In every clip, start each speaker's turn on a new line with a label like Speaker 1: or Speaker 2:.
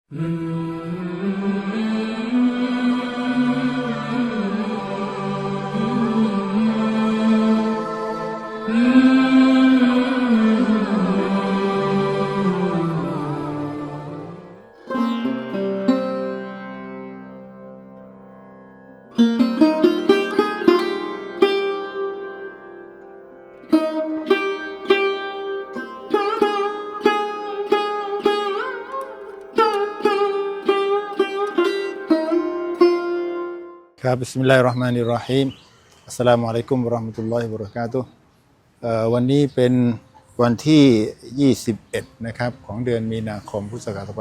Speaker 1: ครับบิสมิลลาฮิรเราะห์มานิรเราะฮีมอัสสลามุอะลัยกุมวะเราะห์มะตุลลอฮิวะบะเราะกาตุฮ์วันนี้เป็นวันที่21นะครับของเดือนมีนาคมพุทธศักราช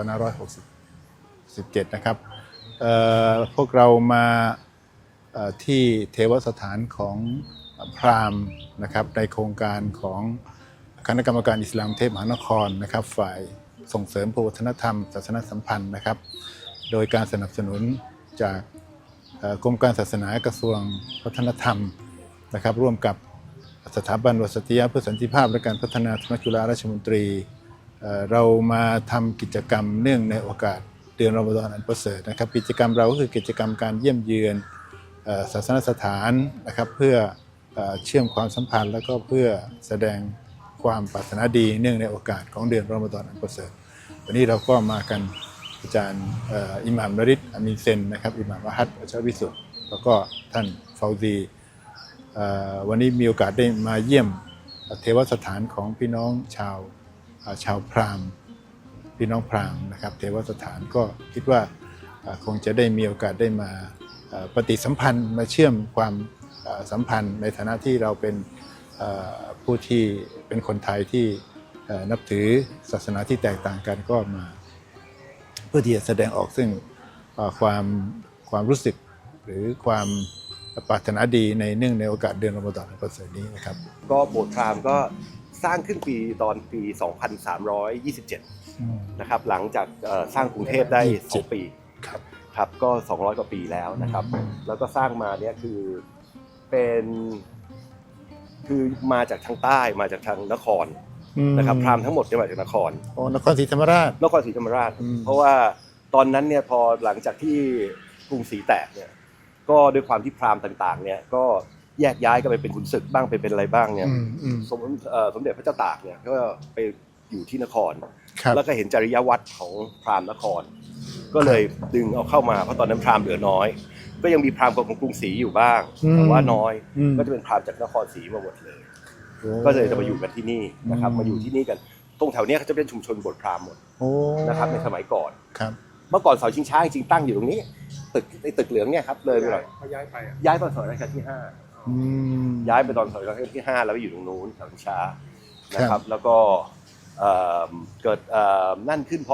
Speaker 1: 2567นะครับพวกเรามาที่เทวสถานของพราหมณ์นะครับในโครงการของคณะกรรมการอิสลามเทพมหานครนะครับฝ่ายส่งเสริมพหุวัฒนธรรมศาสนสัมพันธ์นะครับโดยการสนับสนุนจากกรมการศาสนากระทรวงวัฒนธรรมนะครับร่วมกับสถาบันวสติยะเพื่อสันติภาพและการพัฒนาธรรมจุฬาราชมนตรีเรามาทำกิจกรรมเนื่องในโอกาสเดือนรอมฎอนอันประเสริฐนะครับกิจกรรมเราก็คือกิจกรรมการเยี่ยมเยือนศาสนสถานนะครับเพื่อเชื่อมความสัมพันธ์และก็เพื่อแสดงความปรารถนาดีเนื่องในโอกาสของเดือนรอมฎอนอันประเสริฐวันนี้เราก็มากันอาจารย์อิหม่ามนริศอามีนเซนนะครับอิหม่ามวะฮัดอัชวิสุทธิ์แล้วก็ท่านฟาวซีวันนี้มีโอกาสได้มาเยี่ยมเทวสถานของพี่น้องชาวพราหมณ์พี่น้องพราหมณ์นะครับเทวสถานก็คิดว่าคงจะได้มีโอกาสได้มาปฏิสัมพันธ์มาเชื่อมความสัมพันธ์ในฐานะที่เราเป็นผู้ที่เป็นคนไทยที่นับถือศาสนาที่แตกต่างกันก็มาเพื่อที่จะแสดงออกซึ่งความรู้สึกหรือความปรารถนาดีในเนื่องในโอกาสเดือนรอมฎอนอันประเสริฐนี้นะครับ
Speaker 2: ก็โบสถ์พราหมณ์ก็สร้างขึ้นตอนปี 2327 นะครับหลังจากสร้างกรุงเทพได้2 ปีครับก็200 กว่าปีแล้วนะครับแล้วก็สร้างมาเนี่ยคือมาจากทางใต้มาจากทางนครนะครับพราหมณ์ทั้งหมดเนี่ยมาจากนคร
Speaker 1: ศรีธรรมราช
Speaker 2: เพราะว่าตอนนั้นเนี่ยพอหลังจากที่กรุงศรีแตกเนี่ยก็ด้วยความที่พราหมณ์ต่างๆเนี่ยก็แยกย้ายกันไปเป็นขุนศึกบ้างไปเป็นอะไรบ้างเนี่ยสมเด็จพระเจ้าตากเนี่ยก็ไปอยู่ที่นครแล้วก็เห็นจริยวัตรของพราหมณ์นครก็เลยดึงเอาเข้ามาเพราะตอนนั้นพราหมณ์เหลือน้อยก็ยังมีพราหมณ์ของกรุงศรีอยู่บ้างแต่ว่าน้อยก็จะเป็นพราหมณ์จากนครศรีมาหมดเลยก็เลยจะมาอยู่กันที่นี่นะครับมาอยู่ที่นี่กันตรงแถวนี้เขาจะเป็นชุมชนโบสถ์พราหมณ์หมดนะครับในสมัยก่อนเมื่อก่อนเสาชิงช้าจริงๆตั้งอยู่ตรงนี้ตึกเหลืองเนี่ยครับเลยไปหน่อย
Speaker 3: เขา
Speaker 2: ย้ายตอนสมัยรัชกาลที่5ย้ายไปตอนสมัยรัชกาลที่5แล้วไปอยู่ตรงนู้นเสาชิงช้านะครับแล้วก็เกิดนั่นขึ้นพอ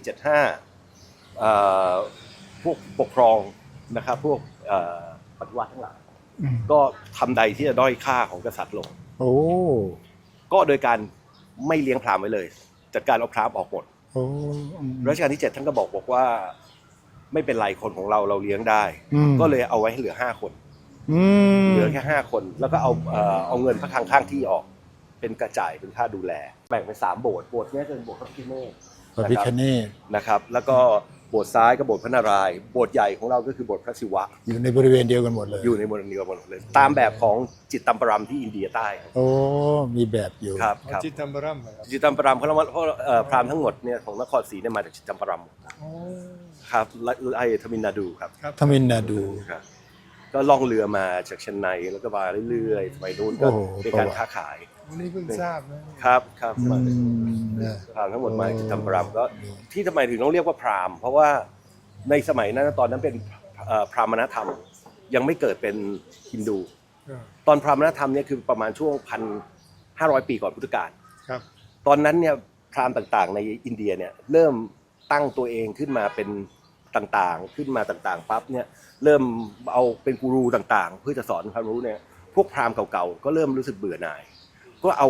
Speaker 2: 2475พวกปกครองนะครับพวกปฏิวัติทั้งหลายก็ทำใดที่จะด้อยค่าของกษัตริย์ลงก็โดยการไม่เลี้ยงพราหมณ์ไว้เลยจัดการเอาพราหมณ์ออกหมดรัชกาลที่7ท่านก็บอกว่าไม่เป็นไรคนของเราเลี้ยงได้ก็เลยเอาไว้ให้เหลือ5 คนเหลือแค่5 คนแล้วก็เอาเงินพระคลังข้างที่ออกเป็นกระจายเป็นค่าดูแลแบ่งเป็น3 โบสถ์นี้จะเป็นโบสถ์พระพิฆเนศนะครับแล้วก็โบสถ์ซ้ายก็โบสถ์พระนารายณ์โบสถ์ใหญ่ของเราก็คือโบสถ์พระศิวะ
Speaker 1: อยู่ในบริเวณเดียวกันหมดเลย
Speaker 2: ตามแบบของจิตตัมปรัมที่อินเดียใต้
Speaker 1: มีแบบอยู่
Speaker 2: ครับ
Speaker 3: จิตตัมปรัม
Speaker 2: เพราะพราหมณ์ทั้งหมดเนี่ยของนครศรีเนี่ยมาจากจิตตัมปรัมครับไอทมินนาดูครับ
Speaker 1: ทมินนาดู
Speaker 2: ก็ล่องเรือมาจากเชียงใหม่แล้วก็มาเรื่อยๆสมัยนู้นก็เป็นการค้าขาย
Speaker 3: วันนี้เพิ่งทราบ
Speaker 2: นะครับพราหมณ์ทั้งหมดมาจากจิตตัมปรัมก็ที่ทำไมถึงต้องเรียกว่าพราหมณ์เพราะว่าในสมัยนั้นตอนนั้นเป็นพราหมณธรรมยังไม่เกิดเป็นฮินดูตอนพราหมณธรรมเนี่ยคือประมาณช่วง1,500 ปีก่อนพุทธกาลตอนนั้นเนี่ยพราหมณ์ต่างๆในอินเดียเนี่ยเริ่มตั้งตัวเองขึ้นมาเป็นต่างๆปั๊บเนี่ยเริ่มเอาเป็นกูรูต่างๆเพื่อจะสอนความรู้เนี่ยพวกพราหมณ์เก่าๆก็เริ่มรู้สึกเบื่อหน่ายก็เอา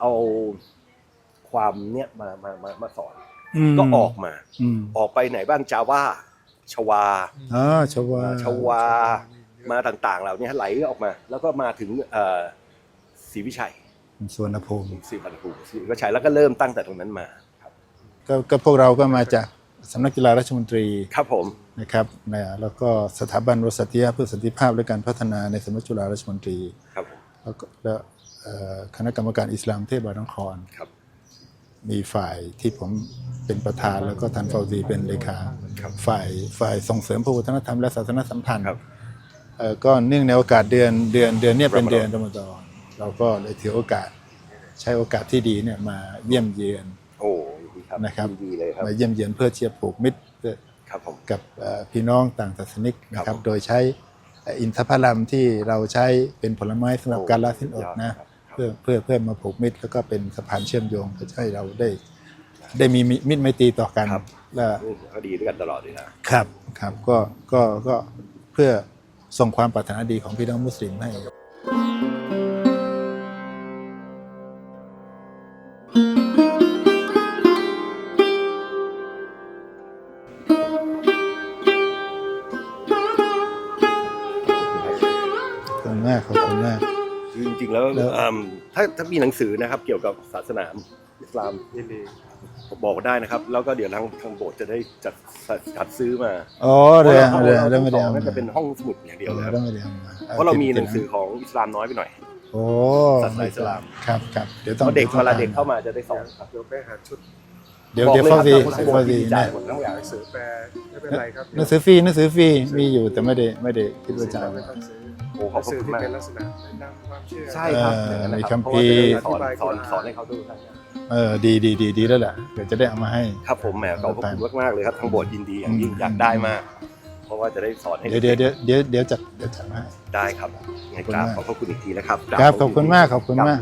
Speaker 2: ความเนี่ยมาสอนก็ออกไปไหนบ้างจาว่าชวามาต่างๆเหล่านี้ไหลออกมาแล้วก็มาถึงศรีวิชัย
Speaker 1: สุวรรณภูมิ
Speaker 2: ศรีวิชัยแล้วก็เริ่มตั้งแต่ตรงนั้นมาครับ
Speaker 1: ก็พวกเราก็มาจากสำนักกีฬาราชมนตรี
Speaker 2: ครับผม
Speaker 1: นะครับนะแล้วก็สถาบันวสติยะเพื่อสันติภาพและการพัฒนาในสำนักจุฬาราชมนตรี
Speaker 2: ครับผม
Speaker 1: แล้วก็คณะกรรมการอิสลามเทพบางนคร
Speaker 2: ครับ
Speaker 1: มีฝ่ายที่ผมเป็นประธานแล้วก็ท่านฟาวซีเป็นเลขา
Speaker 2: ครับ
Speaker 1: ฝ่ายส่งเสริมพระวัฒนธรรมและศาสนสัมพันธ์
Speaker 2: ครับ
Speaker 1: ก็เนื่องในโอกาสเดือนเนี้เป็นเดือนรอมฎอนเราก็เลยถือโอกาสใช้โอกาสที่ดีเนี่ยมาเยี่ยมเยือน
Speaker 2: โอ้ดีครับ
Speaker 1: นะครับ
Speaker 2: ดีเลยครับ
Speaker 1: มาเยี่ยมเยือนเพื่อเชียร์ผูกมิตร
Speaker 2: ครับผม
Speaker 1: กับพี่น้องต่างศาสนิกนะค
Speaker 2: ครั
Speaker 1: รั
Speaker 2: บบ ผม
Speaker 1: โดยใช้อินทผลัมที่เราใช้เป็นผลไม้สำหรับการละสิ้นอดนะ
Speaker 2: ครับ
Speaker 1: เพื่อมาผูกมิตรแล้วก็เป็นสะพานเชื่อมโยงเพื่อให้เราได้มีมิตรไมตรีต่อกัน
Speaker 2: ครับ
Speaker 1: และ
Speaker 2: เขาดีด้วยกันตลอดเลยนะครับ
Speaker 1: ครับก็เพื่อส่งความปรารถนาดีของพี่น้องมุสลิมให้ขอบคุณมากขอบคุณมาก
Speaker 2: คือจริงๆแล้ว
Speaker 1: แล้ว
Speaker 2: ถ้ามีหนังสือนะครับเกี่ยวกับศาสนาอิสลามยินดีบอกได้นะครับ แล้วก็เดี๋ยวทางโบสถ์จะได้จัดซื้อมา
Speaker 1: อ๋อ
Speaker 2: เพราะ
Speaker 1: เดี๋ยว
Speaker 2: เรา
Speaker 1: เดี๋ยว
Speaker 2: เรา
Speaker 1: เดี๋ยวไม่ได้
Speaker 2: ต่อ
Speaker 1: เอา
Speaker 2: น่า
Speaker 1: มา
Speaker 2: จะเป็นห้องสมุดอย่างเดียวเลยครับ
Speaker 1: ไม่ได้เอามา
Speaker 2: เพราะเรามีหนังสือของอิสลามน้อยไปหน่อย
Speaker 1: โอ้
Speaker 2: ศาสนาอิสลาม
Speaker 1: ครับเดี๋ยว
Speaker 2: เพ
Speaker 1: ต้อง
Speaker 2: ราะเด็กเวลาเด็กเข้ามาจะได้สอนครับ
Speaker 3: เดี๋ยวไปหาชุด
Speaker 1: เดี๋ยว
Speaker 2: บอก
Speaker 1: เดี๋ยว
Speaker 2: เลย
Speaker 1: ฟา
Speaker 2: ครับ
Speaker 1: ซี
Speaker 2: ทางโบสถ์
Speaker 1: ฟาซี
Speaker 2: ดีใจ
Speaker 1: นะ
Speaker 2: หมดทั้งอย่าง
Speaker 3: หนังสือแปลไม่เป็นไรครับ
Speaker 1: หนังสือฟรีมีอยู่แต่ไม่ได้คิดว่าจะเอา
Speaker 3: ไม่ต้องซื้อ
Speaker 2: โอ้
Speaker 3: ห
Speaker 2: ขอบ
Speaker 3: นังสือ
Speaker 2: คุณ
Speaker 3: ที่
Speaker 2: มาก
Speaker 3: เป็นลักษณะนำความเชื่อ
Speaker 2: ใช่ครับ
Speaker 1: มีคัมภีร์
Speaker 2: เพราะว่าจะได้สอนให้เขาดูทั้งอย่าง
Speaker 1: ดีแล้วแหละเดี๋ยวจะได้เอามาให้
Speaker 2: ครับผมแหมขอบคุณมากๆเลยครับทางโบสถ์ยินดีอย่างยิ่งอยากได้มาก เพราะว่าจะได้สอนให้
Speaker 1: เดี๋ยวจัดมาให้
Speaker 2: ได้ครับไงกราบขอบพระคุณอีกทีนะครับ
Speaker 1: ครับขอบคุณมาก
Speaker 2: ครับ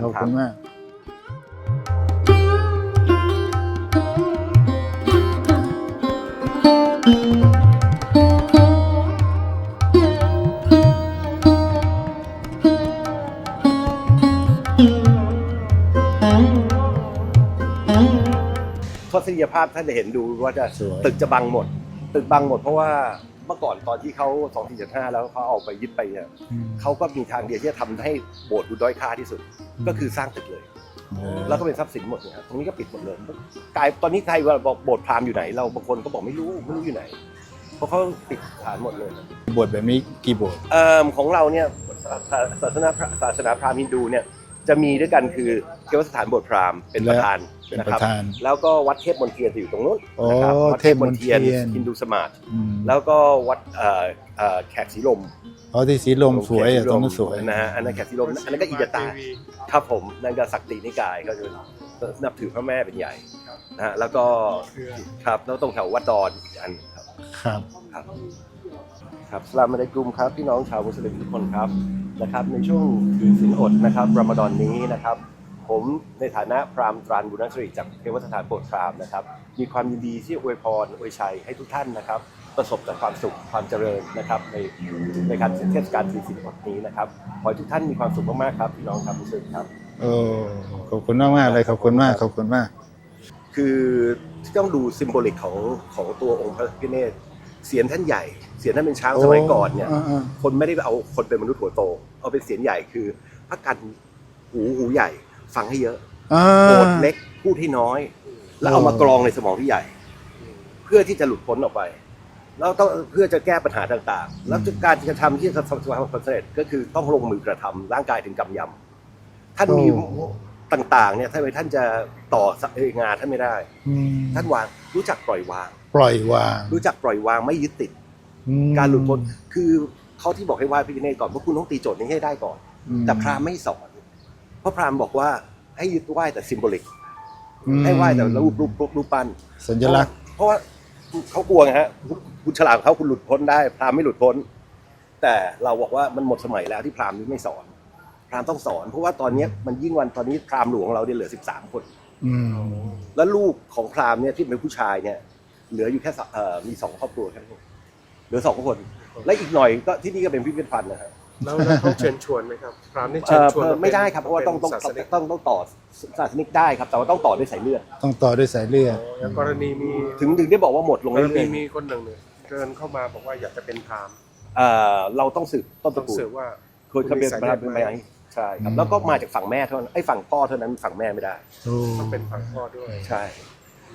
Speaker 2: ทัศนียภาพท่านจะเห็นดูว่าจะ
Speaker 1: สวย
Speaker 2: ตึกจะบังหมด ตึกบังหมดเพราะว่าเมื่อก่อนตอนที่เขา2475แล้วเขาเอาไปยึดไปเนี่ยเขาก็มีทางเดียวที่จะทำให้โบสถ์ดูด้อยค่าที่สุด ก็คือสร้างตึกเลย แล้วก็เป็นทรัพย์สินหมดเนี่ยครับตรงนี้ก็ปิดหมดเลยกลายตอนนี้ใครว่าบอกโบสถ์พราหมณ์อยู่ไหนเราบางคนก็บอกไม่รู้อยู่ไหน เพราะเขาปิดฐานหมดเลย
Speaker 1: บทแบบนี้กี่บท
Speaker 2: ของเราเนี่ยศาสนาพราหมณ์ฮินดูเนี่ยจะมีด้วยกันคือเทวสถานโบสถ์พราหมณ์เป็นประธาน
Speaker 1: เป็น
Speaker 2: นะ
Speaker 1: ป
Speaker 2: ครั
Speaker 1: ระธาน
Speaker 2: แล้วก็วัดเทพมนเทียนจะอยู่ตรงนู้น
Speaker 1: โอ้
Speaker 2: นะครับวัด
Speaker 1: เทพมนเทียน
Speaker 2: ฮินดูสมาร์ท
Speaker 1: อืม
Speaker 2: แล้วก็วัดแขกสีลม
Speaker 1: อ๋อที่สีลมสวยอ่ะตรงนั้นสวย
Speaker 2: นะฮะอันนั้นแขกสีลมอันนั้นก็อิยตาครับผมนั่นก็ศักดินิกายก็จะนับถือพระแม่เป็นใหญ่นะฮะแล้วก็ครับแล้วตรงแถววัดดอนอีกอันครับ
Speaker 1: ครับ
Speaker 2: ครับสลามอะลัยกุมครับพี่น้องชาวมุสลิมทุกคนครับนะครับในช่วงถือศีลอดนะครับรอมฎอนนี้นะครับผมในฐานะพราหมณ์ตรานบุญนสริจากเทวสถานโปรดพราหมณ์นะครับมีความยินดีที่อวยพรอวยชัยให้ทุกท่านนะครับประสบแต่ความสุขความเจริญนะครับในการเทศกาลถือศีลอดนี้นะครับขอให้ทุกท่านมีความสุขมากๆครับพี่น้องชาวมุสลิมครับ
Speaker 1: โอ้ขอบคุณมากเลยขอบคุณมาก
Speaker 2: คือที่ต้องดูซิมโบลิกของตัวองค์พระพิฆเนศเสียนท่านใหญ่เสียนท่านเป็นช้างสมัยก่อนเนี่ย คนไม่ได้เอาคนเป็นมนุษย์หัวโตเอาเป็นเสียนใหญ่คือพระกันหูใหญ่ฟังให้เยอะโกรธเล็กพูดให้น้อย แล้วเอามากรองในสมองที่ใหญ่ เพื่อที่จะหลุดพ้นออกไปแล้วต้องเพื่อจะแก้ปัญหาต่างๆ แล้วการกระทำที่จะประสบความสำเร็จก็คือต้องลงมือกระทำร่างกายถึงกำยำท่านมีต่างๆเนี่ยทำไมท่านจะต่องานท่านไม่ได้ ท่านวางรู้จักปล่อยวาง รู้จักปล่อยวางไม่ยึดติด การหลุดพ้นคือเขาที่บอกให้ไหว้พระพิฆเนศก่อนเพราะคุณต้องตีโจทย์นี้ให้ได้ก่อน แต่พราหมณ์ไม่สอนเพราะพราหมณ์บอกว่าให้ยึดไหว้แต่ซิมโบลิกให้ไหว้แต่รูปปั้น
Speaker 1: สัญลักษณ์
Speaker 2: เพราะว่าเขากลัวไงฮะคุณฉลาดเขาคุณหลุดพ้นได้พราหมณ์ไม่หลุดพ้น แต่เราบอกว่ามันหมดสมัยแล้วที่พราหมณ์นี้ไม่สอนพราหมณ์ต้องสอนเพราะว่าตอนนี้มันยิ่งวันตอนนี้พราหมณ์หลวงของเราเนี่ยเหลือ13 คนแล้วลูกของพราหมณ์เนี่ยที่เป็นผู้ชายเนี่ยเหลืออยู่แค่มี2 ครอบครัวแค่นั้นเหลือ2 คนและอีกหน่อยก็ที่นี่ก็เป็นพิพิธภัณฑ์นะฮะ
Speaker 3: แล้วเขาเชิญชวนไหมครับพราหมณ์นี่เชิญชวน
Speaker 2: ไม่ได้ครับเพราะว่าต้องต่อศาสนิกได้ครับแต่ว่าต้องต่อด้วยสายเลือด
Speaker 1: ต้องต่อด้วยสายเลือด
Speaker 3: อย่างกรณีมี
Speaker 2: ถึงได้บอกว่าหมดลง
Speaker 3: ก
Speaker 2: เรื่
Speaker 3: รณี
Speaker 2: อย
Speaker 3: มีคนหนึ่งเนี่ยเดินเข้ามาบอกว่าอยากจะเป็นพราหมณ์
Speaker 2: ๆเราต้องสืบต้นต
Speaker 3: ต้อ
Speaker 2: ระ
Speaker 3: ง
Speaker 2: กูล
Speaker 3: สืบว่า
Speaker 2: เคยเป็นไปไหมใช่ครับแล้วก็มาจากฝั่งแม่เท่านั้นฝั่งพ่อเท่านั้นฝั่งแม่ไม่ได้
Speaker 3: ต้องเป็นฝั่งพ่อด้วย
Speaker 2: ใช่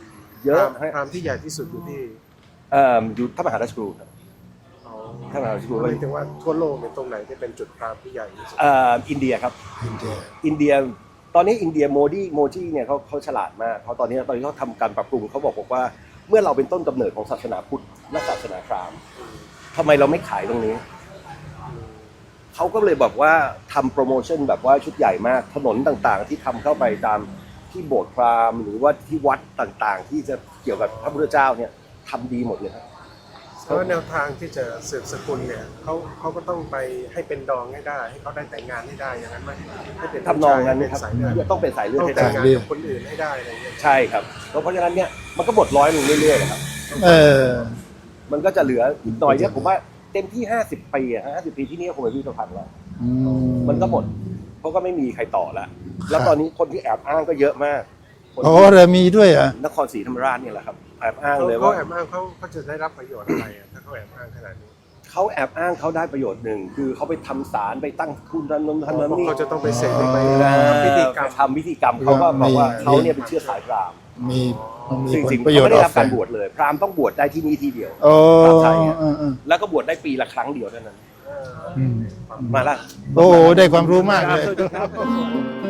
Speaker 2: เยอะ
Speaker 3: พราหมณ์ที่ใหญ่ที่สุดอยู่ที่
Speaker 2: อยู่พระมหาราชครูครับ
Speaker 3: อ๋อ
Speaker 2: พระมหาราชครู
Speaker 3: หมายถึงว่าทั่วโลกเนี่ยตรงไหนที่เป็นจุดพราหมณ์ที่ใหญ่ที่สุด
Speaker 2: อินเดียครับ
Speaker 1: อินเดีย
Speaker 2: อินเดียตอนนี้อินเดียโมจิเนี่ยเขาฉลาดมากเพราะตอนนี้เขาทำการปรับปรุงเขาบอกว่าเมื่อเราเป็นต้นกำเนิดของศาสนาพุทธและศาสนาพราหมณ์ทำไมเราไม่ขายตรงนี้เขาก็เลยบอกว่าทำโปรโมชั่นแบบว่าชุดใหญ่มากถนนต่างๆ ที่ทำเข้าไปตามที่โบสถ์พราหมณ์หรือว่าที่วัดต่างๆ ที่จะเกี่ยวกับพระพุทธเจ้าเนี่ยทำดีหมดเลยครับ
Speaker 3: เพราะว่าแนวทางที่จะสืบสกุลเนี่ยเขาก็ต้องไปให้เป็นดองให้ได้ ให้เขาได้แต่งงานให้ได้อย่างนั้นไหมให้เป็น
Speaker 2: ทำนองนั้น
Speaker 3: เป็น
Speaker 2: ครับ
Speaker 3: สายเลือด
Speaker 2: ต้องเป็นสายเลือด
Speaker 3: ต้อง
Speaker 2: ให้
Speaker 3: แต่
Speaker 2: ได้
Speaker 3: งงานกับคนอื่นให้ได้อะไรอย่างเงี้ย
Speaker 2: ใช่ครับเพราะฉะนั้นเนี่ยมันก็บดร้อยลงเรื่อยๆนะครับ
Speaker 1: เออ
Speaker 2: มันก็จะเหลืออีกหน่อยเนี่ยผมว่าเต็มที่50 ปีอะ50 ปีที่นี่ก็คงเป็นพิพิธภัณฑ์แล้ว
Speaker 1: อืม
Speaker 2: มันก็หมดเพราะก็ไม่มีใครต่อแล้วแล้วตอนนี้คนที่แอบอ้างก็เยอะมากคน
Speaker 1: โอ้
Speaker 2: ที่
Speaker 1: เรือมีด้วยเหรอ่ะ
Speaker 2: นครศรีธรรมราชเนี่ยแหละครับแอบอ้างเลย
Speaker 3: เขา
Speaker 2: ว่า
Speaker 3: แอบอ้างเขาจะได้รับประโยชน์อะไรอะถ้าเขาแอบอ้างขนาดนี้
Speaker 2: เขาแอบอ้างเขาได้ประโยชน์หนึ่งคือเขาไปทำศาลไปตั้งทุนนั้นทำนั้นนี่
Speaker 3: เขาจะต้องไปเสกไป
Speaker 2: เออ
Speaker 3: ทำพิธีกรรม
Speaker 2: ทำพิธีกรรมเขาก็บอกว่าเขาเนี่ยเป็นเชื้อสายพราหมณ์
Speaker 1: มีมันมี
Speaker 2: ซึ่ง
Speaker 1: ผ
Speaker 2: จริ
Speaker 1: ล
Speaker 2: งๆ
Speaker 1: ประ
Speaker 2: เขา
Speaker 1: โยช
Speaker 2: ไม่
Speaker 1: น์
Speaker 2: ได้
Speaker 1: ออ
Speaker 2: รั
Speaker 1: ก
Speaker 2: บ
Speaker 1: ไป
Speaker 2: การบวชเลยพราหมณ์ต้องบวชได้ที่นี่ที่เดียว
Speaker 1: โอ้
Speaker 2: พระไทยอะ แล้วก็บวชได้ปีละครั้งเดียวเท่านั้น
Speaker 1: อืม
Speaker 2: มาละ
Speaker 1: โอ้ได้ความรู้มากเลย
Speaker 2: ครับ